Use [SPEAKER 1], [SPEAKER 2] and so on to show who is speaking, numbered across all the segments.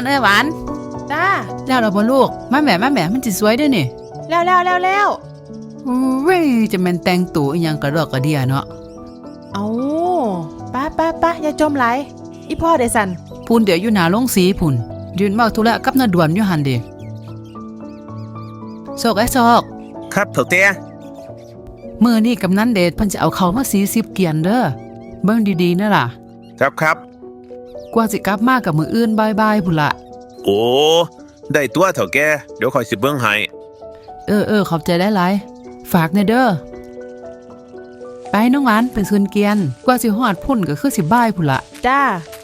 [SPEAKER 1] หวาน
[SPEAKER 2] จ้า
[SPEAKER 1] แล้วเราบ่ลูกมาแหม่มันสิสวยด้วยนี่
[SPEAKER 2] แล้ว
[SPEAKER 1] โอ้ยจะแม่นแต่งตัวอีหยังกระดอกกระเดียเนาะ
[SPEAKER 2] เอาป้าอย่าจมไหลอีพ่อได้สั่น
[SPEAKER 1] พูนเดี๋ยวอยู่หน้าโรงสีพุ่นยืนเว้าธุระกับน้าด่วนอยู่หั่นเด้โศก
[SPEAKER 3] ครับเฒ่าแก่
[SPEAKER 1] มื้อนี้กำนันเดชเพิ่นจะเอาเข้ามา40เกียนเด้อเบิ่งดีๆนะล่ะ
[SPEAKER 3] ครับ
[SPEAKER 1] กว่าสิกลับมากับมื้ออื่นบ่ายๆพุ่นล่ะ
[SPEAKER 3] โอ้ได้ตัวเฒ่าแก่เดี๋ยวคอยสิเบิ่งให้
[SPEAKER 1] ขอบใจหลายๆฝากแน่เด้อไปน้องหวานเป็นคืนเกียนกว่าสิฮอดพุ่นก็คือสิบ่ายพุ่นล่ะ
[SPEAKER 2] จ้า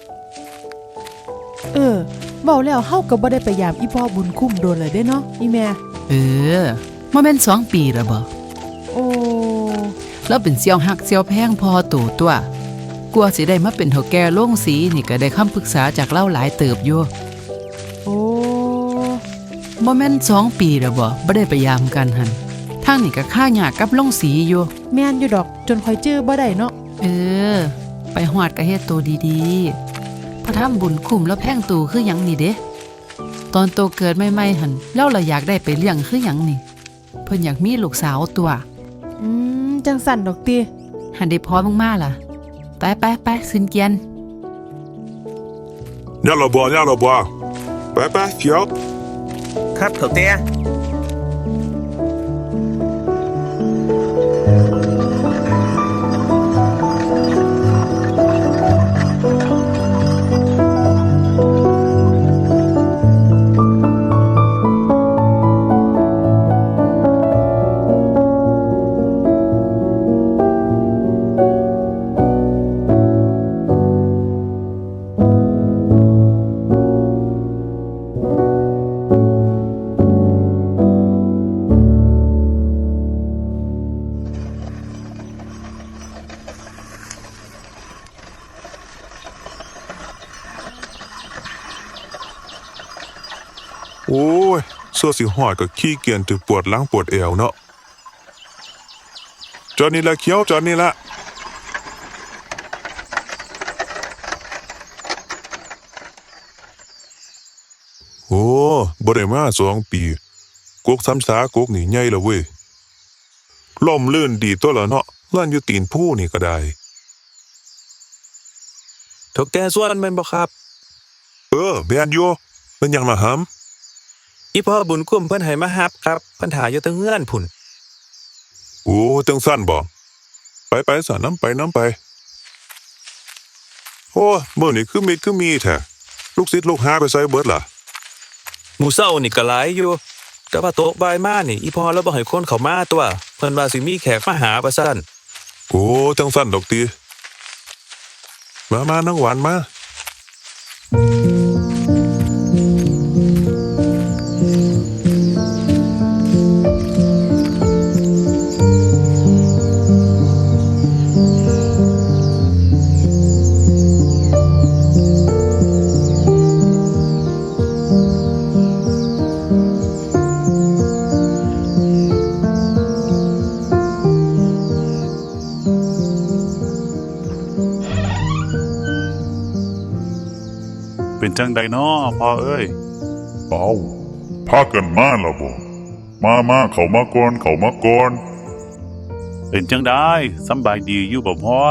[SPEAKER 2] เว้าแล้วเฮาก็บ่ได้ไปยามอีพ่อบุญคุ้มโดนเลยเด้เนาะอีแม่
[SPEAKER 1] บ่แม่น2 ปีแล้วบ่
[SPEAKER 2] โอ้
[SPEAKER 1] แล้วเป็นเสี่ยวฮักเสี่ยวแพงพอตู่ตัวกลัวสิได้มาเป็นเฒ่าแก่โรงสีนี่ก็ได้คำปรึกษาจากเล่าหลายเติบอยู่
[SPEAKER 2] โอ้
[SPEAKER 1] บ่แม่น2 ปีแล้วบ่ได้ไปยามกันหั่นทางนี่ก็ค่ายากกับโรงสีอยู่
[SPEAKER 2] แม่นอยู่ดอกจนค่อยจื้อบ่ได้เนาะ
[SPEAKER 1] ไปฮอดก็เฮ็ดตัวดีๆพระธรรมบุญคุ้มแล้วแพงตู่คือหยังนี่เด้ตอนโตเกิดใหม่ๆหั่นเราละอยากได้ไปเลี้ยงคือหยังนี่เพิ่นอยากมีลูกสาวตัว
[SPEAKER 2] จังสั่นดอกติ
[SPEAKER 1] หันได้พอมากๆล่ะไปขึ้นเกียน
[SPEAKER 4] ย่าละบ่ไปเขียว
[SPEAKER 3] ครับเฒ่าแก่
[SPEAKER 4] โอ้ยสัวสิหอดก็ขี้เกียจถึงปวดหลังปวดเอวเนาะจอดนี่ละเขียวจอดนี่ละโอ้บ่ได้มา2 ปีกกซ้ำสากกนี่ใหญ่แล้วเว้ยล่มลื่นดีตัวละเนาะลั่นอยู่ตีนผู้นี่ก็ได้
[SPEAKER 3] เฒ่าแก่ส่วนแม่นบ่ครับ
[SPEAKER 4] แม่นอยู่เป็นหยังล่ะหำ
[SPEAKER 3] อีพ่อบุญคุ้มเพิ่นให้มารับครับเพิ่นหาอยู่ตั้งเฮือนพุ่น
[SPEAKER 4] โอ้จังซั่นบ่ไปซะน้ำไปโอ้มื้อนี้คือมีแท้ลูกศิษย์ลูกหาไปไสเบิดล่ะ
[SPEAKER 3] หมู่เช้านี่ก็หลายอยู่แต่ว่าโต๊ะบ่ายมานี่อีพ่อแล้วบ่ให้คนเข้ามาตัวเพิ่นว่าสิมีแขกมาหาว่าซั่น
[SPEAKER 4] โอ้จังซั่นดอกติมาน้องหวานมา
[SPEAKER 5] เป็นจังใดน้อพ่อเอ้ย
[SPEAKER 6] พากันมาแล้วบ่มาเข้ามาก่อน
[SPEAKER 5] เป็นจังได้สำบายดีอยู่บ่พ่อ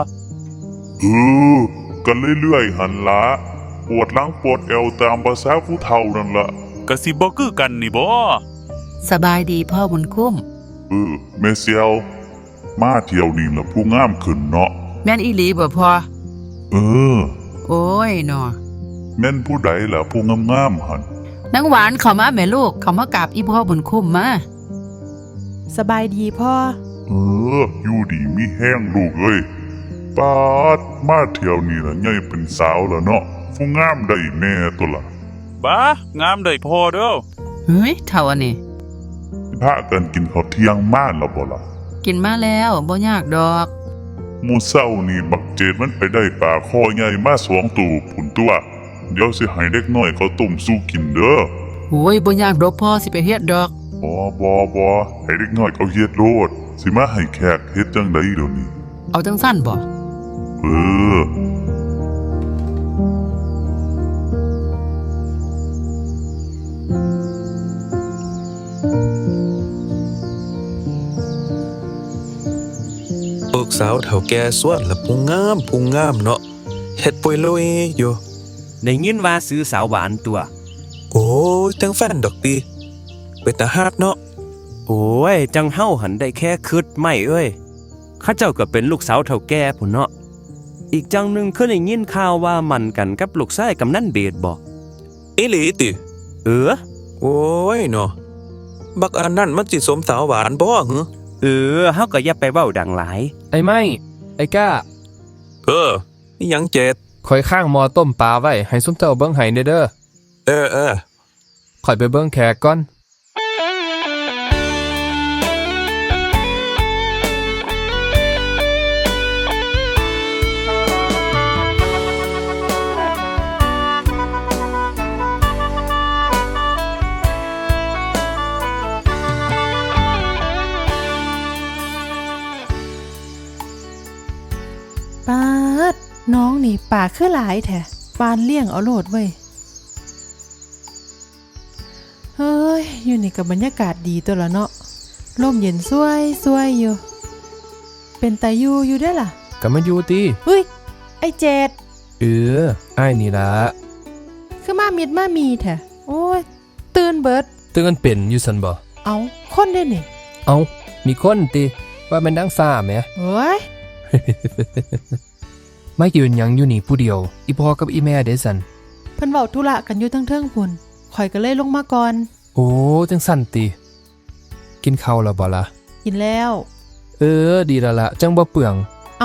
[SPEAKER 6] กันเรื่อยๆหันละปวดหลังปวดเอวตามภาษาผู้เฒ่านั่นละ
[SPEAKER 5] ก็สิบ่คือกันนี่บ่
[SPEAKER 1] สบายดีพ่อบุญคุ้ม
[SPEAKER 6] แม่เสียวมาเที่ยวนี่ล่ะผู้งามขึ้นเนาะ
[SPEAKER 1] แม่นอีหลีบ่พ่อโอ้ยเนาะ
[SPEAKER 6] แม่นผู้ใดล่ะผู้งามๆหั่น
[SPEAKER 1] นางหวานเข้ามาแม่ลูกเข้ามากราบอีพ่อบุญคุ้มมา
[SPEAKER 2] สบายดีพ่อ
[SPEAKER 6] อยู่ดีมีแห้งลูกเอ้ยปาดมาเที่ยวนี่ล่ะใหญ่เป็นสาวแล้วเนาะผู้งามได้แน่ตัวล่ะ
[SPEAKER 5] บ้างามได้พ่อเด้อ
[SPEAKER 1] เฮ้ยเท่าอันนี้
[SPEAKER 6] พากันกินข้าวเที่ยงมาแล้วบ่ล่ะ
[SPEAKER 1] กินมาแล้วบ่ยากดอก
[SPEAKER 6] หมู่เช้านี่บักเจดมันไปได้ปลาคอใหญ่มา2 ตัวพุ่นตัวเดี๋ยวสิให้เด็กน้อยเขาต้มสู้กินเด้อ
[SPEAKER 1] โอ้ยบ่ยากดอกพ่อสิไปเฮ็ดดอก
[SPEAKER 6] บ่ให้เด็กน้อยเขาเฮ็ดโลดสิมาให้แขกเฮ็ดจังได๋เดี๋ยวนี้
[SPEAKER 1] เอาจังซั่นบ่
[SPEAKER 3] กสาวเฒ่าแก่สวนละพุงงามเนาะเฮ็ดปุยลุยอยู่
[SPEAKER 7] ได้ยินว่าซื้อสาวหวานตัว
[SPEAKER 3] โอ้ยจังแฟนดอกติเป็นตาฮักเนาะ
[SPEAKER 7] โอ้ย จังเฮาหันได้แค่คิดไม่เอ้ยข้าเจ้าก็เป็นลูกสาวเฒ่าแก่พุ่นเนาะอีกจังหนึงเคยได้ยินข่าวว่ามันกันกับลูกชายกำนันเบดบ่
[SPEAKER 3] อีหลีติ โอ้ยเนาะบักอันนั้นมันสิสมสาวหวานบ่หึ
[SPEAKER 7] เฮาก็อย่าไปเว้าดังหลาย
[SPEAKER 8] ไอ้ไม่ไอ้ก้า
[SPEAKER 3] อีหยังเจ็ด
[SPEAKER 8] ข่อยข้างหมอต้มปลาไว้ให้ซุมเจ้าเบิ่งให้เด้อ
[SPEAKER 3] เออ
[SPEAKER 8] ข่อยไปเบิ่งแขกก่อน
[SPEAKER 2] ปาดน้องนี่ปากคือหลายแท้ปานเลี้ยงเอาโลดเว้ยเฮ้ยอยู่นี่กับบรรยากาศดีตัวละเนาะลมเย็นสวยอยู่ เป็นตาอยู่ได้อล่ะ
[SPEAKER 8] ก็มาอยู่ติ
[SPEAKER 2] เฮ้ยไอ้เจด
[SPEAKER 8] อ้ายนี่ล่ะ
[SPEAKER 2] คือมามิดมามีแท้โอ้ยตื่นเบิด
[SPEAKER 8] ตื่นเป็นอยู่ซั่นบ่
[SPEAKER 2] เอาคนได้นี่
[SPEAKER 8] เอ้ามีคนติว่าแม่นนางฟ้าแหม
[SPEAKER 2] เฮ้ย
[SPEAKER 8] ไม่ยืนหยังอยู่นี่ผู้เดียว อีพ่อกับอีแม่เด้ซั่น
[SPEAKER 2] เพิ่นเว้าธุระกันอยู่เทิงๆพุ่นข่อยก็เลยลงมาก่อน
[SPEAKER 8] โอ้จังซั่นติกินข้าวแล้วบ่ล่ะ
[SPEAKER 2] กินแล้ว
[SPEAKER 8] ดีแล้วล่ะจังบ่เปลือง
[SPEAKER 2] เอา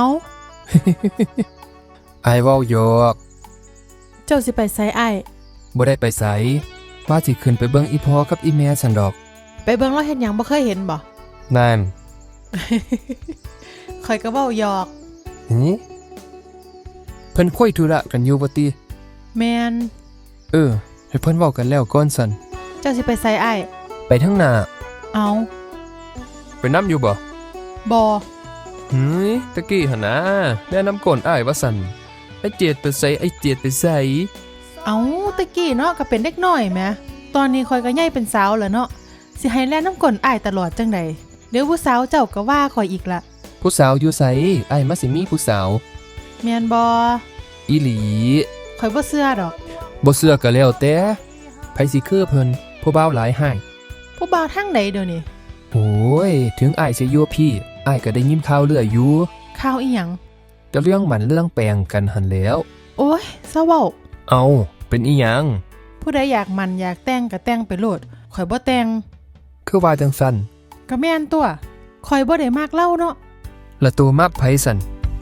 [SPEAKER 8] อ้ายเว้าหยอก
[SPEAKER 2] เจ้าสิไปไสอ้าย
[SPEAKER 8] บ่ได้ไปไสว่าสิขึ้นไปเบิ่งอีพ่อกับอีแม่ซั่นดอก
[SPEAKER 2] ไปเบิ่งเราเฮ็ดหยังบ่เคยเห็นบ่
[SPEAKER 8] นั่น
[SPEAKER 2] ข่อยก็เว้าหยอก
[SPEAKER 8] หือเพิ่นคุยธุระกันอยู่บ่ติ
[SPEAKER 2] แม่น
[SPEAKER 8] ให้เพิ่นเว้ากันแล้วก่อนซั่น
[SPEAKER 2] เจ้าสิไปไสอ้าย
[SPEAKER 8] ไปทางหน้า
[SPEAKER 2] เอา
[SPEAKER 8] ไปนํอยู่บ่
[SPEAKER 2] บ่
[SPEAKER 8] ตะกี้หั่นนะแนะนำก่อนอ้ายว่าซั่นไอ้เจียดไปไสไอ้เจียดไปไส
[SPEAKER 2] เอาตะกี้เนาะก็เป็นเด็กน้อยแหมตอนนี้ข่อยก็ใหญ่เป็นสาวแล้วเนาะสิให้แล่นน้ำก้นอ้ายตลอดจังใดเดี๋ยวผู้สาวเจ้าก็ว่าข่อยอีกละ
[SPEAKER 8] ผู้สาวอยู่ไสอ้ายมาสิมีผู้สาว
[SPEAKER 2] แม่นบ่
[SPEAKER 8] อีหลี
[SPEAKER 2] ข่อยบ่เชื่อดอก
[SPEAKER 8] บ่เชื่อก็แล้วแต่ไผสิคือเพิ่นผู้บ่าวหลายให้
[SPEAKER 2] ผู้บ่าวทางใดเดี๋ยวนี้
[SPEAKER 8] โอ้ยถึงอ้ายสิอยู่พี่อ้ายก็ได้ยินข่าวเรื่อยอยู่
[SPEAKER 2] ข่าวอีหยัง
[SPEAKER 8] แต่เรื่องมันเรื่องแปลงกันหั่นแหล้ว
[SPEAKER 2] โอ้ยเศร้าเว้า
[SPEAKER 8] เอาเป็นอีหยัง
[SPEAKER 2] ผู้ใดอยากมันอยากแต่งก็แต่งไปโลดข่อยบ่แต่ง
[SPEAKER 8] คือว่าจังซั่น
[SPEAKER 2] ก็แม่นตัวข่อยบ่ได้มักเล่าเนาะ
[SPEAKER 8] ละตัวมักไผซั่น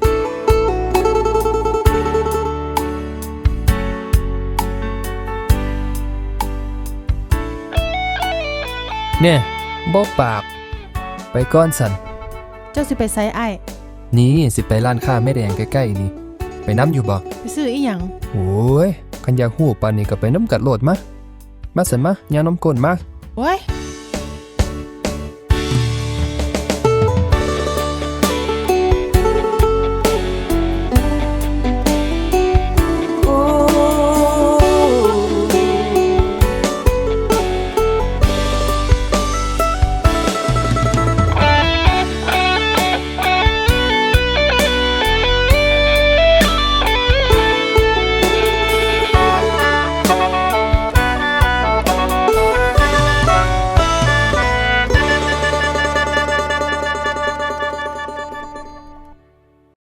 [SPEAKER 8] เนี่ยบ่ปาก ไปก่อนซั่น
[SPEAKER 2] เจ้าสิไปไสอ้าย
[SPEAKER 8] นี่สิไปร้านค้าแม่แดงใกล้ๆนี่ไปน้ำอยู่บ่
[SPEAKER 2] ไปซื้ออีหยัง
[SPEAKER 8] โอ้ยคันอยากฮู้ปานนี้ก็ไปน้ำกัดโลดมาซั่นมาย่าน้ำก้นมา
[SPEAKER 2] โอ้ย